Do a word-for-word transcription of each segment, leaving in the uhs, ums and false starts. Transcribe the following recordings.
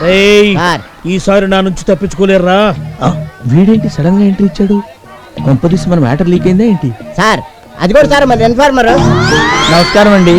ఈసారి నా నుంచి తప్పించుకోలేరా. వీడేంటి సడన్ గా ఎంట్రీ ఇచ్చాడు? కొంపదీసి మన మ్యాటర్ లీక్ అయిందా ఏంటి? సార్ అది కూడా సార్ మరి ఇన్ఫార్మర్. నమస్కారం అండి.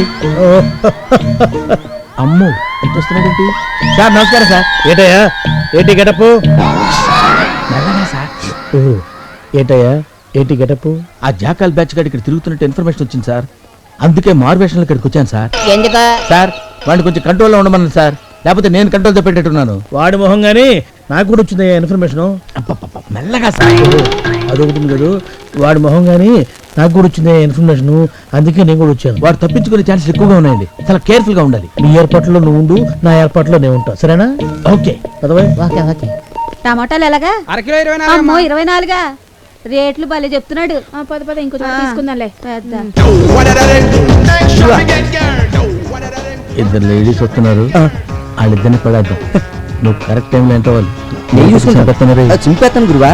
అమ్మో ఎంత వస్తున్నాడేంటి? సార్ నమస్కారం సార్. ఏటయ్యా ఏటి గెటప్? సార్ ఏటయ్యా ఏటి గెటప్? ఆ జాకాల్ బ్యాచ్ గారు ఇక్కడ తిరుగుతున్నట్టు ఇన్ఫర్మేషన్ వచ్చింది సార్. అందుకే మార్వేషన్ ఇక్కడికి వచ్చాను సార్. ఎందుకు సార్ వాడిని కొంచెం కంట్రోల్లో ఉండమన్నాను సార్, లేకపోతే నేను కంట్రోల్ పెట్టేట్టున్నాను. వాడి మొహం గానీ నాకు కూడా వచ్చింది ఇన్ఫర్మేషన్. మెల్లగా సార్. అదొకటి కదా, వాడి మొహం గానీ నాకు కూడా వచ్చింది ఇన్ఫర్మేషన్, అందుకే నేను కూడా వచ్చాను. వాడు తప్పించుకునే ఛాన్సెస్ ఎక్కువగా ఉన్నాయండి, చాలా కేర్ఫుల్ గా ఉండాలి. నీ ఏర్పాట్లో నువ్వు ఉండు, నా ఏర్పాట్లో నేను ఉంటా, సరేనా? ఓకే పదవై. Okay okay. టమాటాలు ఎలాగా? అరకిలో ఇరవై అమ్మో ఇరవై నాలుగా? రేట్లు భలే చెప్తున్నాడు. పద పద ఇంకో తీసుకుందాంలే. ఇద్దరు లేడీస్ వస్తున్నారు, వాళ్ళిద్దరిని పడేద్దాం. నువ్వు కరెక్ట్ టైంలో ఎంత వాళ్ళు చింపేస్తాను గురువా.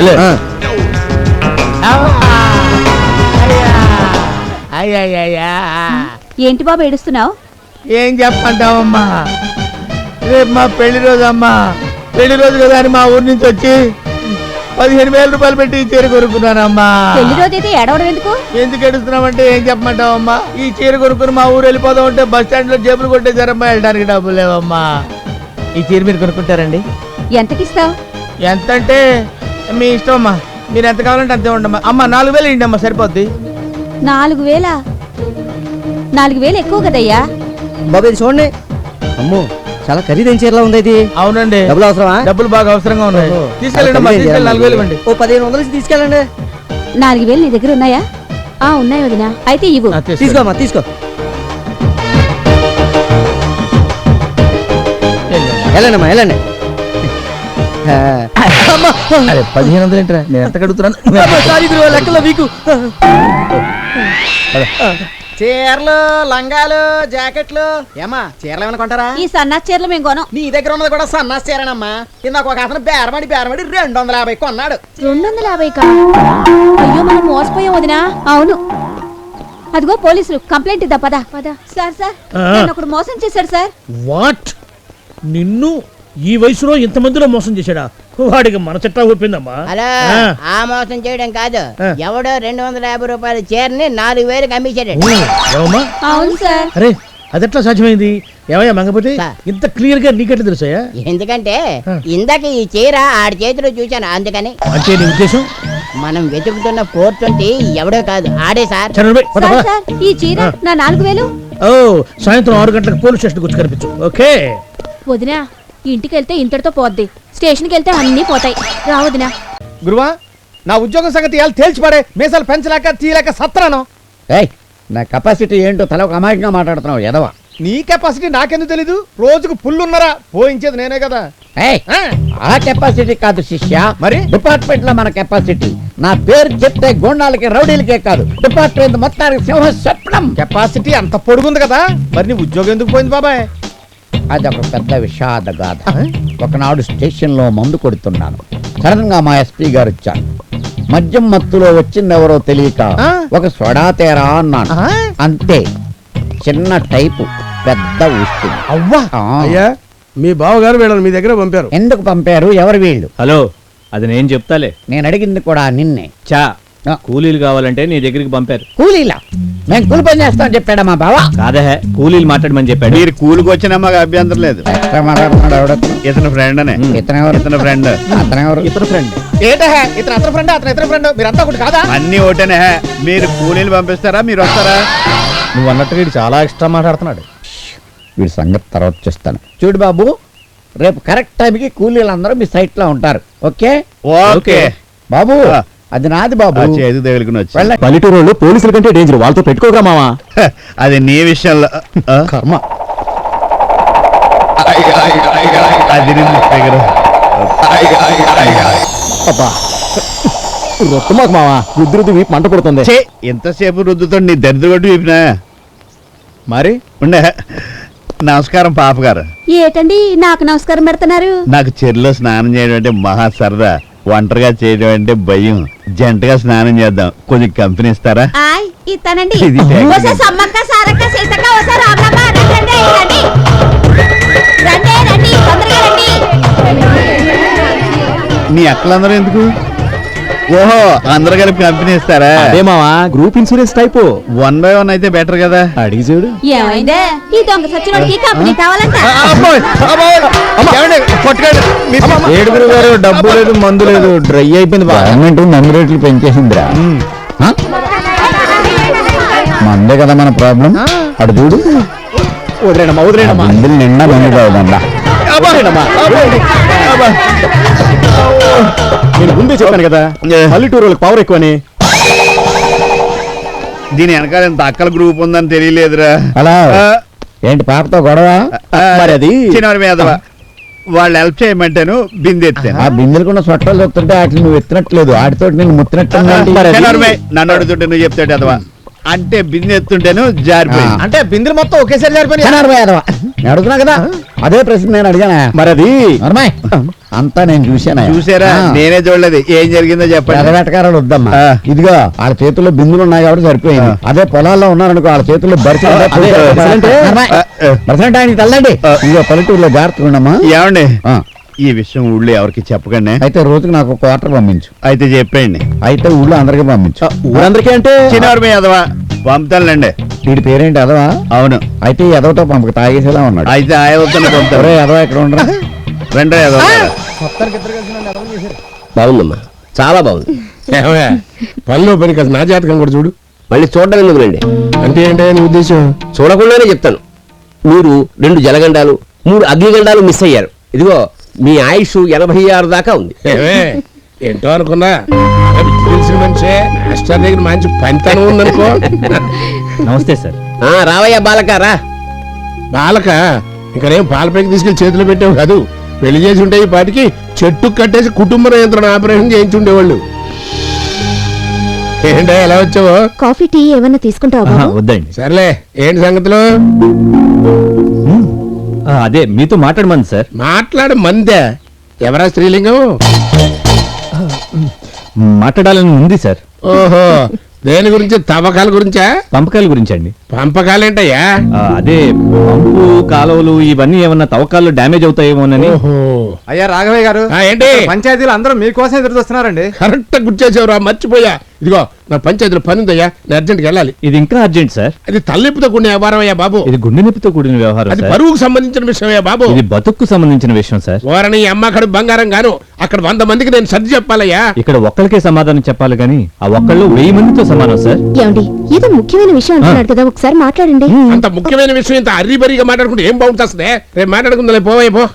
ఏంటి బాబు ఏడుస్తున్నావు? ఏం చెప్పంటావమ్మా, రేపు మా పెళ్లి రోజు అమ్మా. పెళ్లి రోజు కదా అని మా ఊరి నుంచి వచ్చి పదిహేను వేల రూపాయలు పెట్టి ఈ చీర కొనుక్కున్నానమ్మా. పెళ్లి రోజు అయితే ఏడవడం ఎందుకు? ఎందుకు ఏడుస్తున్నామంటే ఏం చెప్పమంటావమ్మా, ఈ చీర కొనుక్కుని మా ఊరు వెళ్ళిపోదాం అంటే బస్ స్టాండ్ లో జేబులు కొట్టేశారమ్మా, వెళ్ళడానికి డబ్బులు లేవమ్మా. ఈ చీర మీరు కొనుక్కుంటారండి? ఎంతకిస్తావు? ఎంత అంటే మీ ఇష్టం అమ్మా, మీరు ఎంత కావాలంటే అంతే ఉండమ్మా. అమ్మా నాలుగు వేలు ఇండి అమ్మా, సరిపోద్ది. నాలుగు వేల నాలుగు వేలు ఎక్కువ కదయ్యా. బాబు ఇది చూడండి. అమ్మో చాలా ఖరీదైన చీరలా ఉంది ఇది. అవునండి. డబ్బులు అవసరమా? డబ్బులు బాగా అవసరంగా ఉన్నాయి. తీసుకెళ్ళండి అమ్మా, తీసుకెళ్ళి నాలుగు వేలు ఇవ్వండి. ఓ పదిహేను వందలు తీసుకెళ్ళండి. నాలుగు వేలు నీ దగ్గర ఉన్నాయా? ఆ ఉన్నాయి వదినా. అయితే ఇవ్వు. తీసుకోమ్మా తీసుకో. వెళ్ళండి వెళ్ళండి. అరే పదిహేను వందలు ఏంట్రా, నేను ఎంత కడుగుతున్నాను? లెక్కలో వీకు. చీరలు లంగాలు జాకెట్లు ఏమా చీరలు ఏమైనా కొంటారా? ఈ సన్నా చీరలు మేము కొనం. నీ దగ్గర ఉన్నది కూడా సన్నాస్ చీరనమ్మా. ఇందాక ఒక అతను బేరమడి బేరమడి రెండు వందల యాభై కొన్నాడు. రెండు వందల యాభై కా? అయ్యో మనం మోసపోయాం వదినా. అవును, అదిగో పోలీసులు, కంప్లైంట్ ఇద్దా పదా. పద. సార్ సార్ నేను ఒకడు మోసం చేశాడు సార్. వాట్? నిన్ను ఈ వయసులో ఇంతమందిలో మోసం చేశాడా? వాడికి మన చెట్టా ఊపిందమ్మా. అలా ఆ మోసం చేయడం కాదు, ఎవడో రెండు వందల యాభై రూపాయల చీరని నాలుగు వేలకు అమ్మించాడు. అవును సార్. అరే అదెట్లా సాధ్యమైంది? ఏమయ్యా మంగపతి, ఇంత క్లియర్ గా నీకెట్లా తెలుసాయా? ఎందుకంటే ఇందాక ఈ చీర ఆడి చేతిలో చూశాను, అందుకని. అంటే నీ ఉద్దేశం? మనం వెతుకుతున్న ఫోర్ ట్వంటీ ఎవడో కాదు, ఆడే సార్. ఈ చీర నా నాలుగు వేలు. ఓ సాయంత్రం ఆరు గంటలకు పోలీస్ స్టేషన్ వచ్చి కనిపించు. ఓకే వదినా, ఇంటికి వెళ్తే ఇంతటితో పోద్ది, స్టేషన్కి వెళ్తే అన్ని పోతాయి. రా వదినా. గురువా నా ఉద్యోగం సంగతి ఎలా తేల్చిపడే, మీసాలు పెంచలేక తీయలేక సత్రాను. నా కెపాసిటీ ఏంటో తల ఒక అమాయకంగా మాట్లాడుతున్నావు ఎదవా. నీ కెపాసిటీ నాకెందుకు తెలీదు? రోజుకు పుల్లున్నరా పోయించేది నేనే కదా. ఆ కెపాసిటీ కాదు శిష్య, మరి డిపార్ట్మెంట్ లో మన కెపాసిటీ. నా పేరు చెప్తే గోండాలకి రౌడీలకే కాదు, డిపార్ట్మెంట్ మొత్తానికి సింహం చెప్పడం. కెపాసిటీ అంత పొడుగుంది కదా, మరి నీ ఉద్యోగం ఎందుకు పోయింది బాబాయ్? అదొక పెద్ద విషాద గాథ. ఒకనాడు స్టేషన్ లో మందు కొడుతున్నాను, సడన్ గా మా ఎస్పీ గారు వచ్చారు. మద్యం మత్తులో వచ్చిందెవరో తెలియక ఒక సోడా తేరా అన్నాను, అంతే. చిన్న టైపు పెద్ద వస్తుంది. అవ్వా అయ్యా, మీ బావగారు వీళ్ళని మీ దగ్గర పంపారు. ఎందుకు పంపారు? ఎవరు వీళ్ళు? హలో, అది నేను చెప్తాలే. నేను అడిగింది కూడా నిన్నే. చా కూలీలు కావాలంటే నీ దగ్గరికి పంపారు. కూలీలా? మేము కూలి పని చేస్తామని చెప్పాడా మా బావ? కాదే, కూలీలు మాట్లాడమని చెప్పాడు. మీరు కూలికి వచ్చినా మాకు అభ్యంతరం లేదు. ఇతను ఫ్రెండ్ అనే. ఇతను ఎవరు? ఇతను ఫ్రెండ్. అతను ఎవరు? ఇతను ఫ్రెండ్. ఏంటే ఇతను అతను ఫ్రెండ్, అతను ఇతను ఫ్రెండ్, మీరంతా ఒకటి కాదా? అన్ని ఒకటేనే. మీరు కూలీలు పంపిస్తారా, మీరు వస్తారా? నువ్వు అన్నట్టు వీడు చాలా ఎక్స్ట్రా మాట్లాడుతున్నాడు. వీడి సంగతి తర్వాత చూస్తాను. చూడు బాబు, రేపు కరెక్ట్ టైంకి కూలీలు అందరూ మీ సైట్ లో ఉంటారు. ఓకే ఓకే బాబు, అది నాది బాబు. చేతి తగులుకుని వచ్చి పల్లెటూరు వాళ్ళు పోలీసుల కంటే డేంజర్, వాళ్ళతో పెట్టుకోగా మావా. అది నీ విషయంలో కర్మ. అది రొట్టు మాకు మావా, రుద్దు రుద్దు వీపు మంట పడుతుంది. ఎంతసేపు రుద్దుతో నీ దరిద్ర కొట్టి వీపినా మరి ఉండే. నమస్కారం పాప గారు. ఏటండి నాకు నమస్కారం పెడుతున్నారు? నాకు చెరులో స్నానం చేయడం అంటే మహా సరదా, ఒంటరిగా చేయడం అంటే భయం. జంటగా స్నానం చేద్దాం, కొంచెం కంపెనీ ఇస్తారా? ఇస్తానండి. ఇది సమ్మక్క సారక్క సీతక్క రామమ్మ రండి రండి రండి తొందరగా రండి. మీ అక్కలందరూ ఎందుకు? ఓహో, అందరూ కలిపి కంపెనీ ఇస్తారా? అదే మావా group insurance type. One by one అయితే బెటర్ కదా. అడిగి చూడు. ఏమైందే ఈ దొంగ సచ్చినోడికి కంపెనీ కావాలంట. ఏడుగురు గారు డబ్బు లేదు మందు లేదు డ్రై అయిపోయింది. గవర్నమెంట్ మందు రేట్లు పెంచేసిందిరా. ఆ? మందే కదా మన ప్రాబ్లం. అటు చూడు, వదిలేనమ్మా వదిలేనమ్మా. మందులు నిండా మందు కావదండా. నేను ముందే చెప్పాను కదా పల్లెటూరు వాళ్ళకి పవర్ ఎక్కువని. దీని వెనకాల ఎంత అక్కల గ్రూప్ ఉందని తెలియలేదురా. అలా ఏంటి పాపతో గొడవ? మరి అది చిన్నవారి మీద వాళ్ళు హెల్ప్ చేయమంటాను బిందెత్తాను. ఆ బిందెలు కూడా సొట్టాలు చెప్తుంటే వాటిని నువ్వు ఎత్తినట్లేదు, ఆడితో నేను ముత్తినట్టు. నన్ను అడుగుతుంటే నువ్వు చెప్తాడు అదవా అంటే బిందె ఎత్తుంటేను జారిపోయి. అంటే బిందెలు మొత్తం ఒకేసారి జారిపోయి అడుగుతున్నా కదా, అదే ప్రశ్న నేను అడిగానా. మరి అది నర్మాయ్ అంతా నేను చూశాను. చూసారా? నేనే చూడలేదు. ఏం జరిగిందో చెప్పండి. ఎదవేటకారాలు వద్దమ్మా. ఆ. ఇదిగో వాళ్ళ చేతుల్లో బిందులు ఉన్నాయి కాబట్టి సరిపోయింది. అదే పొలాల్లో ఉన్నారనుకో వాళ్ళ చేతుల్లో బరిసెలు ఉంటే అదే, బరిసెలంటే? నర్మాయ్, ఆ, ఆ. బరిసెలంటే ఆయనకి తల్లండి. ఆ. ఇదిగో పల్లెటూరులో జాగ్రత్తగా ఉండమ్మా. ఏమండి ఆ. ఈ విషయం ఊళ్ళో ఎవరికి చెప్పకండి. అయితే రోజుకి నాకు ఒక క్వార్టర్ పంపించు. అయితే చెప్పండి. అయితే ఊళ్ళో అందరికీ పంపించు. ఊరందరికీ అంటే చిన్నవారి మీద అదవా పంపుతానులేండి. వీడి పేరేంటి అదవా? అవును. అయితే ఈ ఎదవతో పంపక తాగేసేలా ఉన్నాడు. అయితే ఆయవతను పంపుతారు. ఒరే ఎదవా ఇక్కడ ఉండరా. రెండో ఎదవ బాగుందమ్మా, చాలా బాగుంది. పనిలో పని కాదు, నా జాతకం కూడా చూడు. మళ్ళీ చూడడం ఎందుకులేండి, అంటే ఏంటో నీ ఉద్దేశం? చూడకుండానే చెప్తాను. మీరు రెండు జలగండాలు మూడు అగ్నిగండాలు మిస్ అయ్యారు. ఇదిగో మీ ఆయుష్ ఎనభై ఆరు దాకా ఉంది. ఏమే, ఏంటో అనుకున్నా తెలిసిన మనిషే మాస్టర్ దగ్గర మంచి పనితనం ఉందనుకో. నమస్తే సార్. ఆ రావయ్యా బాలక రా. బాలక ఇంకనేం పాలపైకి తీసుకెళ్లి చేతిలో పెట్టావు కాదు. పెళ్లి చేసి ఉంటే ఈ పాటికి చెట్టు కట్టేసి కుటుంబ నియంత్రణ ఆపరేషన్ చేయించుండేవాళ్ళు. ఏంటో ఎలా వచ్చావో? కాఫీ టీ ఏమన్నా తీసుకుంటావా ఆహా, బాబు? వద్దండి. సర్లే, ఏంటి సంగతిలో? ఆ, అదే మీతో మాట్లాడమంది సార్. మాట్లాడ మందే. ఎవరా స్త్రీలింగం? మాట్లాడాలని ఉంది సార్. ఓహో, దేని గురించి? తవ్వకాల గురించా? పంపకాల గురించి అండి. పంపకాలేంటయ్యా? ఆ, అదే పంపు కాలువలు ఇవన్నీ ఏమన్నా తవ్వకాల్లో డ్యామేజ్ అవుతాయేమోనని. ఓహో, అయ్యా రాఘవయ్య గారు, ఆ, ఏంటి? పంచాయతీలు అందరూ మీకోసం ఎదురు చూస్తున్నారండి. కరెక్ట్ గుర్తు చేసేవరా, మర్చిపోయా. ఇదిగో నా పంచాయతీలో పని ఉందయ్యా, నేను అర్జెంట్కి వెళ్ళాలి. ఇది ఇంకా అర్జెంట్ సార్. అది తలనొప్పితో కూడిన వ్యవహారం అయ్యా బాబు. ఇది గుండె నొప్పితో కూడిన వ్యవహారం అది సార్. పరువుకు సంబంధించిన విషయం అయ్యా బాబు. ఇది బతుక్కు సంబంధించిన విషయం సార్. ఓరని అమ్మకడు బంగారం గాను అక్కడ వంద మందికి నేను సర్ది చెప్పాలయ్యా. ఇక్కడ ఒక్కరికే సమాధానం చెప్పాలి కానీ ఆ ఒక్కళ్ళు వెయ్యి మందితో సమానం సార్. ఏమండి ఏదో ముఖ్యమైన విషయం అంటున్నాడు కదా, ఒకసారి మాట్లాడండి. అంత ముఖ్యమైన విషయం ఇంత అర్రీబరిగా మాట్లాడుకుంటే ఏం బాగుంటుంది? రేపు మాట్లాడుకుందా పోవే పో.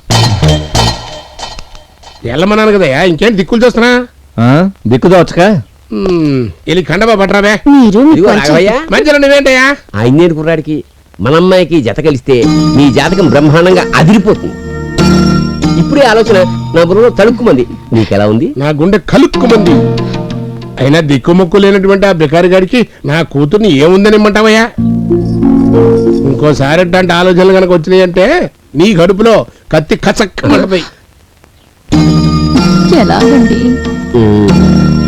వెళ్ళమన్నాను కదయ్యా, ఇంకేంటి దిక్కులు చూస్తున్నా? ఆ, దిక్కుదోచక వెళ్ళి కండబా పట్టరాబే. మీరు మీ ఇదిగో పంచాయతీ- రాఘవయ్య, మంచిగా నువ్వేంటయ్యా? ఆ ఇంజనీర్ కుర్రాడికి మన అమ్మాయికి జత కలిస్తే మీ జాతకం బ్రహ్మాండంగా అదిరిపోతుంది. ఇప్పుడే ఆలోచన నా బుర్రలో తడుక్కుమంది. నీకెలా ఉంది? నా గుండె కలుక్కుమంది. అయినా దిక్కుముక్కు లేనటువంటి ఆ బికారి గారికి నా కూతుర్ని ఏముందని ఇమ్మంటావయ్యా? ఇంకోసారి అంటే ఆలోచనలు కనుక వచ్చినాయి అంటే నీ గడుపులో కత్తి కచక్కమంటది. ఎలాగండి? ఉమ్,